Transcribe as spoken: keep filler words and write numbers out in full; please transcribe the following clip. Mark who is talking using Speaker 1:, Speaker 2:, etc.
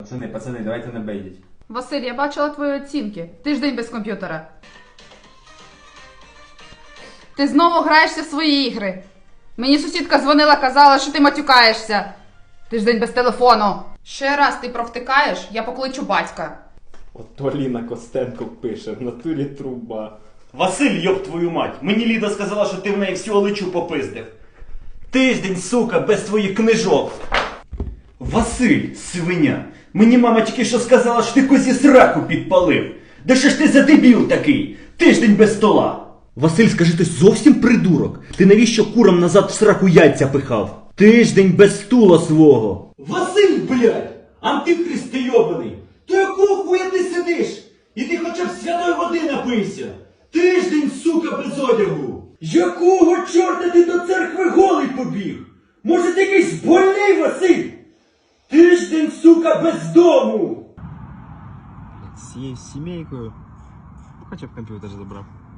Speaker 1: Пацани, пацани, давайте не бейдіть.
Speaker 2: Василь, я бачила твої оцінки. Тиждень без комп'ютера. Ти знову граєшся в свої ігри. Мені сусідка дзвонила, казала, що ти матюкаєшся. Тиждень без телефону. Ще раз ти провтикаєш, я покличу батька.
Speaker 3: Ото Ліна Костенко пише, в натурі труба.
Speaker 4: Василь, йоб твою мать, мені Ліда сказала, що ти в неї всю олечу попиздив. Тиждень, сука, без твоїх книжок. Василь, свиня, мені мама тільки що сказала, що ти козі сраку підпалив. Да що ж ти за дебіл такий? Тиждень без стола. Василь, скажи, ти зовсім придурок? Ти навіщо курам назад в сраку яйця пихав? Тиждень без стула свого. Василь, блядь, антихрист ти йобаний. То якого хуя ти сидиш? І ти хоча б святої води напийся. Тиждень, сука, без одягу. Якого чорта ти до церкви голий побіг? Може ти якийсь больний, Василь? Тиждень, сука, без дому.
Speaker 5: З цією сімейкою, хоча б комп'ютер забрав.